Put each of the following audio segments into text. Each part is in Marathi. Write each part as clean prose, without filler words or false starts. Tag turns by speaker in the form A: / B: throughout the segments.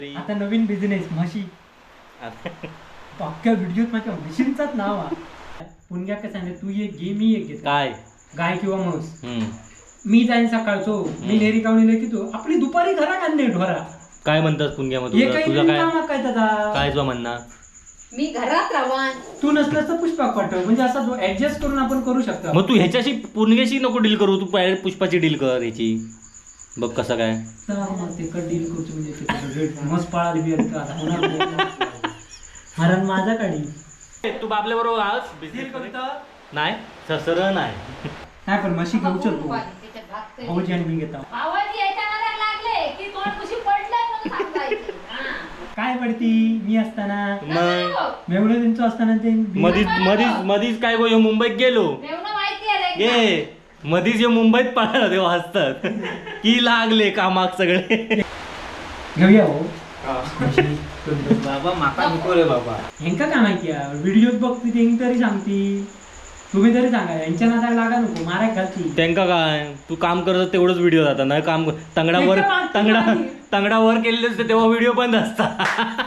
A: आता नवीन बिझनेस म्हशी. अख्ख्या व्हिडिओत माझ्या म्हशींचाच नाव आहे. पुण्या काय सांगते तू एक घे मी एक घेतो.
B: काय
A: गाय किंवा म्हस. मी जाईन सकाळचो मी नेरी कावणी की तू आपली दुपारी घरात आणणे ढोरा.
B: काय म्हणतात पुण्यामध्ये तुझं
A: काय त्याचा
B: काय तुझं म्हणणं?
C: मी घरात राहवान
A: तू नसलंस तर पुष्पाक पाठव म्हणजे असा जो ऍडजस्ट करून आपण करू शकतो.
B: मग तू ह्याच्याशी पुणग्याशी नको डील करू, तू पुष्पाची डील कर ह्याची. बघ कसं काय
A: ते डील करतो म्हणजे मस्त पळाली बी हरण माझा काढी.
B: तू आपल्या बरोबर आज नाही ससर नाही
A: काय पण म्हशी घेऊ शकतो भाऊजी आणि मी घेता काय पडती मी असताना मेवढं त्यांचं असताना ते
B: मधीच काय गो मुंबईत गेलो गे मधीच हे मुंबईत पळाला तेव्हा हसतात की लागले कामाक सगळे.
A: घेऊया हो
B: बाबा माका नको रे बाबा.
A: ह्यांका काय माहिती व्हिडिओत बघती ते तरी सांगती. तुम्ही तरी सांगा यांच्या नादाला लागा नको माराय घालती.
B: त्यांका काय तू काम करत तेवढंच व्हिडिओ जातात नाही काम तंगडा वर केलेले असते तेव्हा व्हिडिओ बंद असतात.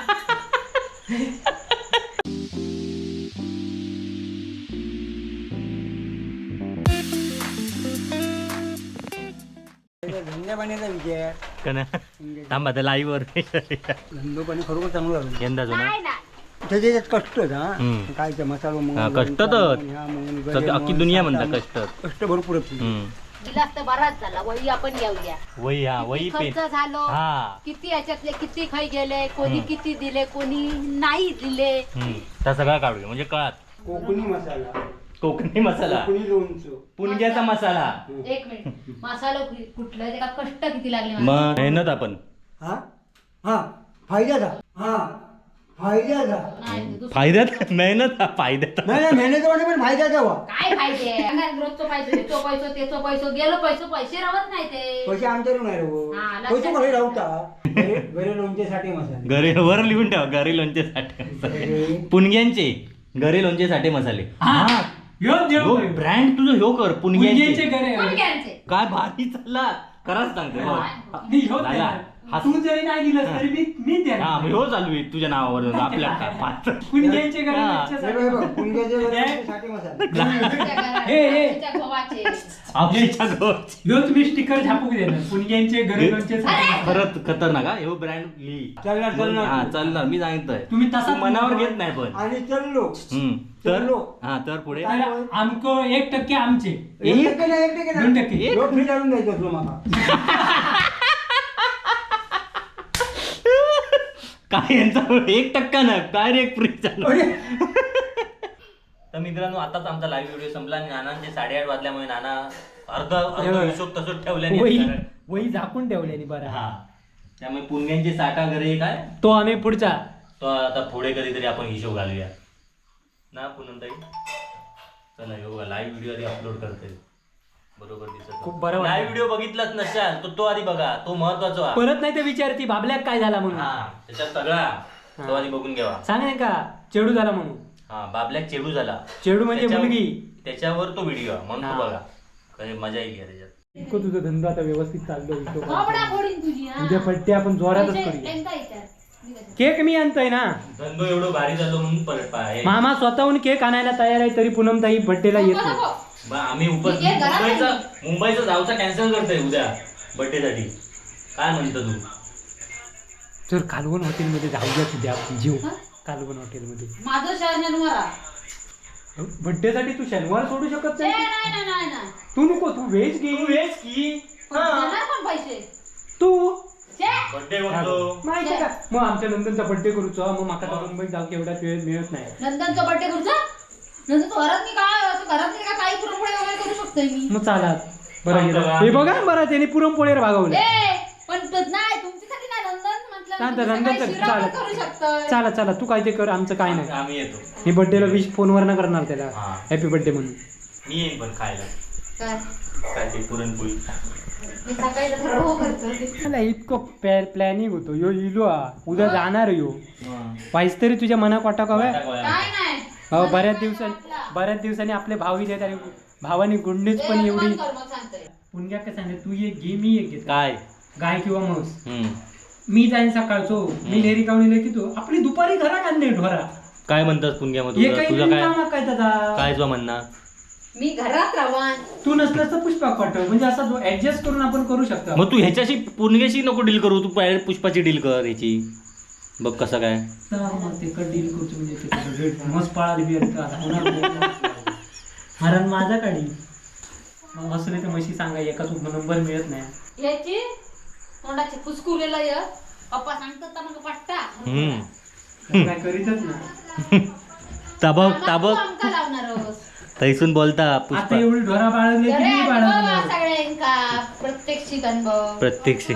D: धंद्यापाण्याचा विचार
B: थांबा त्या लाईव्ह वर
D: धंदोपाणी खरोखर चांगलं झालं.
B: यंदा जो ना
D: त्याच्यात कष्ट काय ते मसाला
B: कष्ट तर अख्खी दुनिया म्हणतात
D: कष्ट भरपूर
C: बराच झाला वही आपण घेऊया.
B: वही हा वही
C: खर्च झालो किती याच्यातले किती खाई गेले कोणी किती दिले कोणी नाही दिले
B: त्या सगळा काढूया म्हणजे कळत. कोकणी मसाला
D: लोणचं
B: पुणग्याचा मसाला.
C: एक मिनिट मसाला कुठलं ते का कष्ट किती लागले
B: मग मेहनत आपण फायद्यात मेहनत फायद्यात
D: मेहनत पण फायद्याचा
C: काय फायदे रोजचं पैसे तो पैसो त्याचो पैसो गेलो पैसे राहत नाही ते
D: पैसे आमच्याकडून नाही पैसे कसे राहता घरी लोणचेसाठी मसाले
B: घरी वर लिहून ठेवा घरी लोणचेसाठी पुणग्यांचे घरी लोणचेसाठी मसाले. ब्रँड तुझं ह्यो कर पुणग्यांचे काय भारी चालला खरंच सांगते.
A: तू जरी नाही दिलं तरी मी देणार.
B: हो चालू आहे तुझ्या नावावर आपल्या
A: पुणग्यांचे तुम्ही स्टिकर छापूक देणार पुणग्यांचे घरी
B: खरंच खतरनाक हा ह्यो ब्रँड चालणार मी सांगितलंय.
A: तुम्ही तसा
B: मनावर घेत नाही पण
D: आणि चललो
B: तर पुढे
A: आमको 1% आमचे
D: 2% फ्री काढून द्यायचं तुला मला.
B: काय यांचा 1% ना काय रे फ्री चालू. तर मित्रांनो आताच आमचा लाईव्ह व्हिडिओ संपला आणि नानांचे 8:30 वाजल्यामुळे नाना अर्ध हिशोब तसंच ठेवल्याने
A: वही झाकून ठेवल्याने बरं.
B: हा त्यामुळे पुणग्यांचे साठा घरे काय
A: तो आम्ही पुढचा
B: तो आता पुढे कधीतरी आपण हिशोब घालूया ना पुनमताई. चला हे बघा लाईव्ह व्हिडिओ आधी अपलोड करते बरोबर दिसत
A: खूप बरं.
B: लाईव्ह व्हिडिओ बघितलाच नसाल तो आधी बघा तो महत्वाचा
A: परत नाही तर विचारती बाबल्याक काय झाला म्हणून.
B: त्याच्यात सगळा तो आधी बघून घ्यावा.
A: सांग नाही का चेडू झाला म्हणून.
B: बाबल्याक चेडू झाला
A: चेडू म्हणजे मुलगी
B: त्याच्यावर तो व्हिडिओ म्हणून तो बघा कधी मजा येईल त्याच्यात.
A: तुझा धंदा आता व्यवस्थित चाललो.
C: तुझी
A: उद्या पट्टी आपण जोरातच करूया. केक मी आणतोय ना
B: धंदो एवढं भारी झालो म्हणून परत
A: मामा स्वतःहून केक आणायला तयार आहे तरी पूनमताई बर्थडेला येत नाही.
B: आम्ही मुंबईचा जाऊचा कॅन्सल करतोय उद्या बर्थडे साठी. काय म्हणतो तू?
A: तर कालवण हॉटेलमध्ये जाऊया तुझ्या आपण जीव कालवण हॉटेलमध्ये.
C: माझं शनिवार
A: बर्थडे साठी तू शनिवार सोडू शकत
C: नाही.
A: तू नको तू व्हेज घे.
C: पैसे
A: तू
B: बर्थडे म्हणतो
A: माहिती का मग आमच्या नंदनचा बर्थडे करूचो मग माका तर मुंबईत जाऊ एवढा वेळ मिळत नाही.
C: नंदनचा बर्थडे करूचा नंतर घरात काय काही पुरणपोळी वगैरे करू शकतोय मी.
A: मग चाला बरं गेलं हे बघा बरं त्याने पुरणपोळीवर भागवले.
C: पण नाही तुमच्यासाठी नाही नंदन म्हटलं
A: चला चला तू काय ते कर आमचं काय नाही.
B: आम्ही येतो
A: मी बर्थडेला विश फोनवर ना करणार त्याला हॅपी बर्थडे म्हणून.
B: मी येईन पण खायला काय ते पुरणपोळी.
C: मला
A: इतकं प्लॅनिंग होतो यो इलो उद्या जाणार यो पाहिजे तरी तुझ्या मनात वाटा का बऱ्याच दिवसांनी आपले भाऊ येत आणि भावानी गुंडीच पण एवढी पुण्या काय सांगते तू एक घे मी एक घेत
B: काय
A: गाय किंवा म्हस मी जाईन सकाळचो मी नेरी कावणी की तू आपली दुपारी घरात आणणे ढोरा
B: काय म्हणतात पुणग्यामध्ये
A: हे काही
B: तुझं काय
A: कामात काय त्याचा
B: काय तुझं म्हणणं
C: मी घरात राहान.
A: तू नसलंस तर पुष्पाक पाठव म्हणजे असं जो ऍडजस्ट करून आपण करू शकतो.
B: मग तू ह्याच्याशी पुणग्याशी नको डील करू तू direct पुष्पाची डील कर ह्याची बघ कसं काय
A: तर मग ते डील करतो म्हणजे ते रेट मस्त पाळाली बी आता होणार नाही. कारण माझा काढी मग असं नाही तर म्हशी सांगा एकाच नंबर मिळत नाही.
C: याची तोंडाची फुसकुलेला य पप्पा सांगतात मग पट्टा
B: हम्म
A: काय करीतच ना.
B: ताबक ताबक
C: आमका लावणारच.
B: थैसून बोलता
A: आता
B: पुष्पा
A: एवढी ढोरा बाळगली की मी बाळगलं.
C: सगळ्यांका प्रत्यक्षिक अनुभव
B: प्रत्यक्ष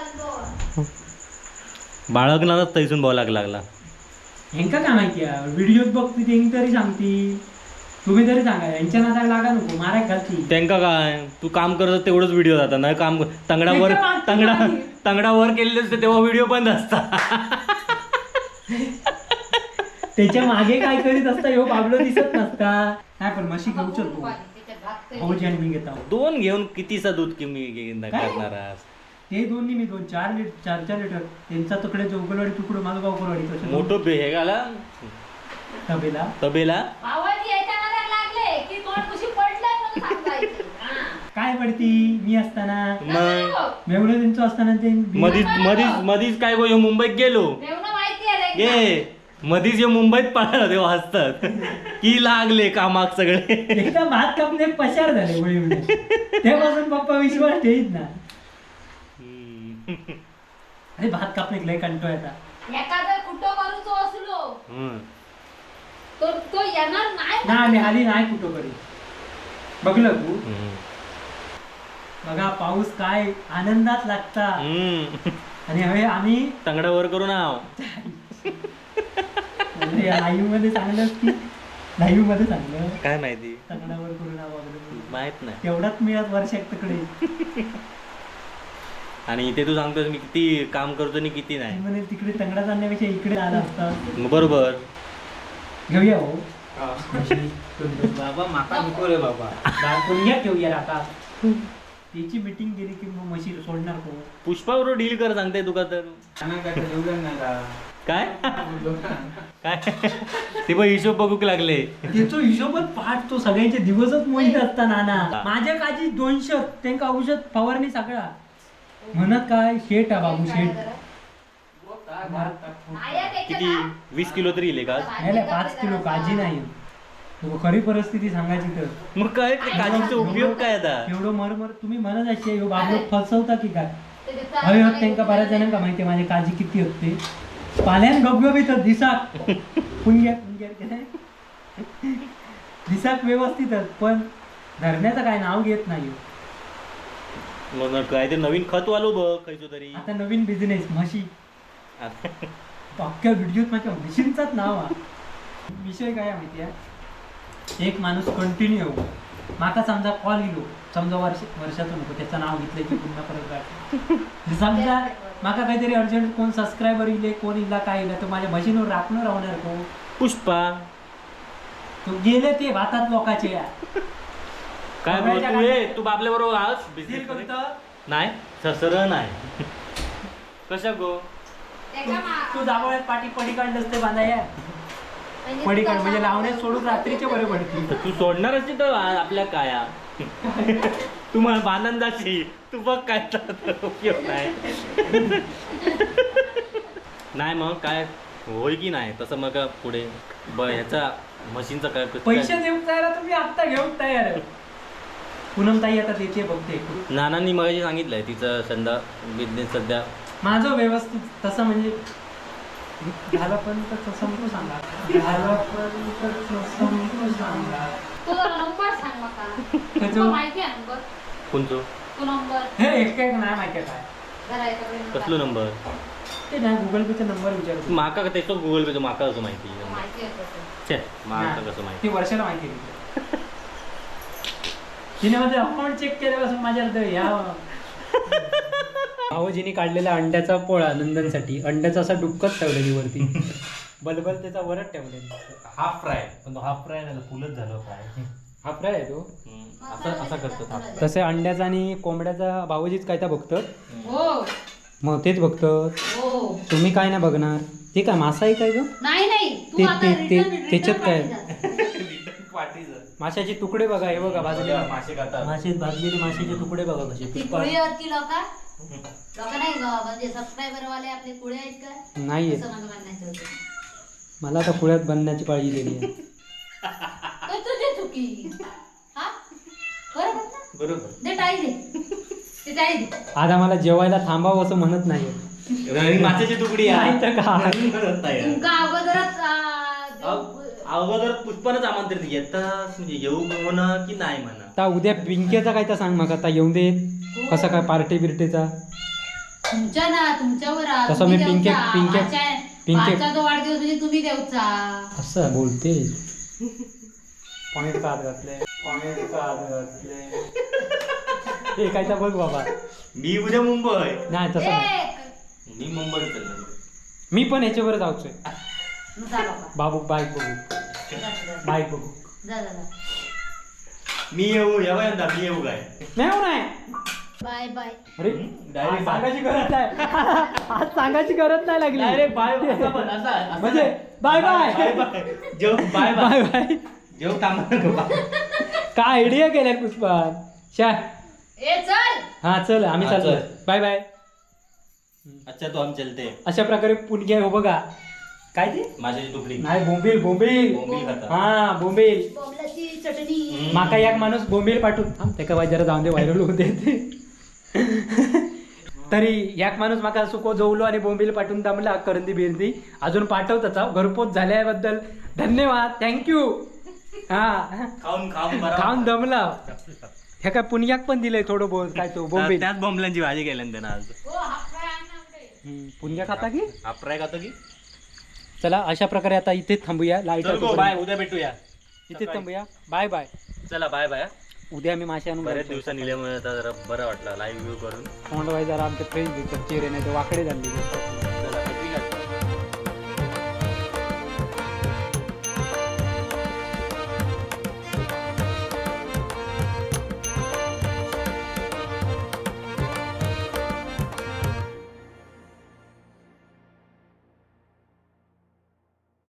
B: बाळगणारच थैसून बोलाक लागला
A: ह्यांका काय माहिती आहे व्हिडिओत बघती ते तरी सांगती. तुम्ही तरी सांगा यांच्या नादाला लागा नको माराय घालती.
B: त्यांका काय तू काम करत तेवढंच व्हिडिओ जातात नाही काम तंगडावर
A: त्याच्या मागची
B: तंगडा
A: मागणी.
B: तंगडावर केलेले असते तेव्हा व्हिडिओ बंद असतात
A: त्याच्या मागे काय करीत असता ह्यो बाबलो दिसत नसता. नाही पण म्हशी घेऊ शकतो भाऊजी आणि मी घेत आहोत.
B: दोन घेऊन कितीचा दूध किमी करणार आहेस?
A: ते दोन्ही मी 4 लिटर त्यांचा तुकडे चौकलवाडी तुकडं माझं गावकरवाडी कसं
B: मोठं हे घाला
A: तबेला
B: तबेला
C: आवाज यायच्या नादाला लागले की तोंड कुशी पडलंय म्हणून सांगायचं. हा.
A: काय पडती मी असताना
B: मग
A: मेवढं त्यांचं असताना ते
B: मधीच मधीच मधीच काय गो ह्यो मुंबईत गेलो
C: मेवणं माहिती आहे रे
B: गे मधीच ह्यो मुंबईत पळाला तेव्हा हसतात की लागले कामाक सगळे
A: एकदा भात कापले पशार झाले वळी तेव्हापासून पप्पा विश्वास ठेवीत ना. अरे भात कापणे लय कंटो येतात.
C: एखादं कुठं करूचो असलो
B: हम्म.
C: तर तो येणार नाही.
A: ना आम्ही आली नाही कुठं करी बघलं तू
B: हम्म.
A: बघा पाऊस काय आनंदात लागता.
B: हम्म.
A: आणि हवे आम्ही
B: तंगडावर करून आव
A: लाईव्ह मध्ये सांगलं की लाईव्ह मध्ये सांगलं
B: काय माहिती
A: तंगडावर करून आवडलं
B: माहित नाही
A: तेवढाच मिळत वर्षात तिकडे.
B: आणि इथे तू सांगतोस मी किती काम करतो आणि किती नाही
A: म्हणे तिकडे तंगडा जाण्यापेक्षा इकडे आला असता.
B: मग बरोबर
A: घेऊया हो
D: बाबा माका नको रे बाबा.
A: पुण्यात घेऊया आता. त्याची मीटिंग गेली की मग म्हशी सोडणार को.
B: पुष्पाबरोबर डील कर सांगते तुका तर
D: काय जेवलं नाही का?
B: काय काय ते पण हिशोब बघूक लागले
A: त्याचा हिशोबच पाठ तो सगळ्यांचे दिवसच मोहित असता नाना. माझ्या काजी 200 त्यांका औषध फवारणी सगळा म्हणत काय शेट आहे बाबू शेट.
B: किती 20 किलो तरी येईल का
A: नाही 5 किलो काजी नाही. तो खरी परिस्थिती सांगायची तर
B: मग काय ते काजीचा उपयोग काय आता
A: एवढं मरमर तुम्ही म्हणत असे ह्यो बाबलो फसवता की काय. हवे होत त्यांका बऱ्याच जणांका माहिती माझे काजी किती होते. पाल्यान गबगबीत दिसाक पुण्या दिसाक व्यवस्थित पण धरण्याचं काय नाव घेत नाही.
B: मग काय ते नवीन खत वालो बघ खायचो तरी
A: आता नवीन बिझनेस म्हशी अख्ख्या व्हिडिओत माझ्या म्हशींचाच नाव आहे. विषय काय आहे माहिती आहे एक माणूस कंटिन्यू माका समजा कॉल येलो समजा वर्षातून नको त्याचं नाव घेतलं की पुन्हा परत गाठ समजा माका काहीतरी अर्जंट कोण सबस्क्रायबर इले कोण इला काय इला तर माझ्या म्हशींवर राखणं राहणार को
B: पुष्पा
A: तो गेले ते भातात लोकांचे
B: काय बोल तू ये तू बाबल्या बरोबर आज
A: Deal
B: business मध्ये?
A: करतं.
B: नाही ससर नाही कशा गो
A: तू जावळ्यात पाठी पडी काढलंस ते बांधाया पडी काढ म्हणजे लावण्यात सोडून रात्रीचे बरे पडतील.
B: तर तू सोडणारच नाही तर आपल्या काया तू मला बांधन जाशी तू बघ काय तर उपयोग नाही नाही मग काय होय की नाही तसं मग पुढे ह्याचा मशीनचा काय
A: पैसे देऊन तयार आहे, तुम्ही आत्ता घेऊन तयार आहे. पूनम ताई आता त्याचे बघते.
B: नानांनी मगाशी सांगितलंय तिचं संधा बिझनेस सध्या
A: माझं व्यवस्थित तसं म्हणजे झाला पण समजू सांगा झाला पण समजू सांगा.
C: तुझा नंबर सांग माका.
A: त्याचं-
C: तुका माहिती आहे नंबर
B: कोणतो
C: तो नंबर
A: हे एक नाही माहिती आहे काय
C: जरा याच्याकडे
B: कसलो नंबर
A: ते नाही गुगल पेचा नंबर विचारतो.
B: माका त्याचं गुगल पेचं माका कसं माहिती
C: माहिती आहे तसं.
B: छे माका कसं माहिती
A: ती वर्षाला माहिती आहे. तिने माझं अकाउंट चेक केल्यापासून माझ्या या भावजीने काढलेला अंड्याचा पोळा नंदनसाठी अंड्याचा असा डुक्कत ठेवलेली वरती बलबल त्याचा वरच ठेवलेली.
B: हाफ फ्राय पण तो हाफ फ्राय नाही फुलच झालं फ्राय
A: हा फ्राय आहे तो.
B: असं असं करतो हाफ
A: तसे अंड्याचा आणि कोंबड्याचा भावजीच काय त्या बघतात.
C: हो
A: मग तेच बघतो.
C: हो
A: तुम्ही काय नाही बघणार. ते काय मासा आहे काय ग?
C: नाही तू
A: ते-
C: आता
A: ते- ते-
C: return
A: त्याच्यात काय?
C: पाठी जा.
A: माशाचे तुकडे बघा, हे बघा भाजलेले
B: मासे खातात.
A: मासे, भाजलेले माशाचे तुकडे बघा कसे.
C: ती कुळीवरती लोक नाही म्हणजे सबस्क्रायबर वाले आपले कुळे आहेत का
A: नाहीये.
C: असं मला म्हणायचं होतं.
A: मला आता पुण्यात बनण्याची काळजी दिली आहे.
C: तर तुझी चुकी हा बरोबर ना?
B: बरोबर.
C: दे टाळी दे ते टाळी दे.
A: आज आम्हाला जेवायला थांबावं असं म्हणत नाही.
B: माशाची तुकडी आहे.
A: नाही तर काय.
B: म्हणत नाही.
C: तुमका अगोदरच
B: अगोदर पुष्पानच आमंत्रण येतात म्हणजे येऊ म्हणा की नाही म्हणा.
A: आता उद्या पिंकेचा काय तर सांग मग. आता येऊन दे कसा काय पार्टी बिर्टीचा.
C: तुमच्या ना तुमच्यावर आ,
A: तसं
C: तुम्ही
A: मी पिंके-
C: देवचा.
A: पिंके-
C: माझ्या-
A: पिंके-
C: माझा जो वाढदिवस म्हणजे तुम्ही देवचा.
A: असं बोलते. पॉइंट का हात घातले, पॉइंट का हात घातले. हे काय तर बघ बाबा.
B: मी उद्या मुंबई.
A: नाही तसं नाही.
B: मी मुंबईत चाललो.
A: मी पण ह्याच्यावर जाऊचोय.
C: जा बाबा.
A: बाबू बाईक बघू,
C: जा, जा,
A: बाईक बघू.
C: जा, जा, जा.
B: मी येऊ यावं यंदा मी येऊ काय.
A: नाही हो नाही.
C: Bye bye.
A: अरे
B: Direct
A: आज सांगायची गरज नाही. आज सांगायची गरज नाही लागली.
B: डायरेक्ट बाय असा
A: म्हणजे बाय बाय
B: बाय बाय जेव बाय
A: बाय
B: बाय
A: बाय.
B: जेव कामा नको.
A: काय आयडिया केल्या पुष्पान. शा
C: ए चल.
A: हा चल आम्ही
B: हा,
A: चाललो.
B: चल.
A: Bye bye.
B: अच्छा तो हम चलते.
A: अशा प्रकारे पुणग्या हो बघा. काय ते
B: माशाची तुकडी.
A: नाही बोंबील बोंबील.
B: बोंबील खातात.
A: हा बोंबील.
C: बोंबलाची चटणी.
A: माका एक माणूस बोंबील पाठवून त्याका बाई जरा जाऊन दे व्हायरल होऊ दे. तरी एक माणूस माका सुको जवलो आणि बोंबील पाठवून दमला करंदी बिरंदी अजून पाठवताच. घरपोच झाल्याबद्दल धन्यवाद, थँक्यू. हा
B: खाऊन खाऊन बरं
A: खाऊन दमला. ह्या काय पुण्याक पण दिलंय थोडं बहुत काय तो बोंबील.
B: त्याच बोंबलांची भाजी केल्या ना त्यानं आज.
C: हो हा फ्राय आणा पुढे.
A: पुण्या खाता की.
B: अप्राय खातो की.
A: चला अशा प्रकारे आता इथेच थांबूया. लाईट
B: चल गो बाय उद्या भेटूया.
A: इथेच थांबूया. Bye bye.
B: चला बाय बाय.
A: उद्या मी मासे आणून
B: बरेच दिवसांनी निल्यामुळे आता जरा बरं वाटलं लाईव्ह व्ह्यू करून.
A: तोंड वाय जरा आमचे फ्रेंड चेहरे नाही तर वाकडे झाले.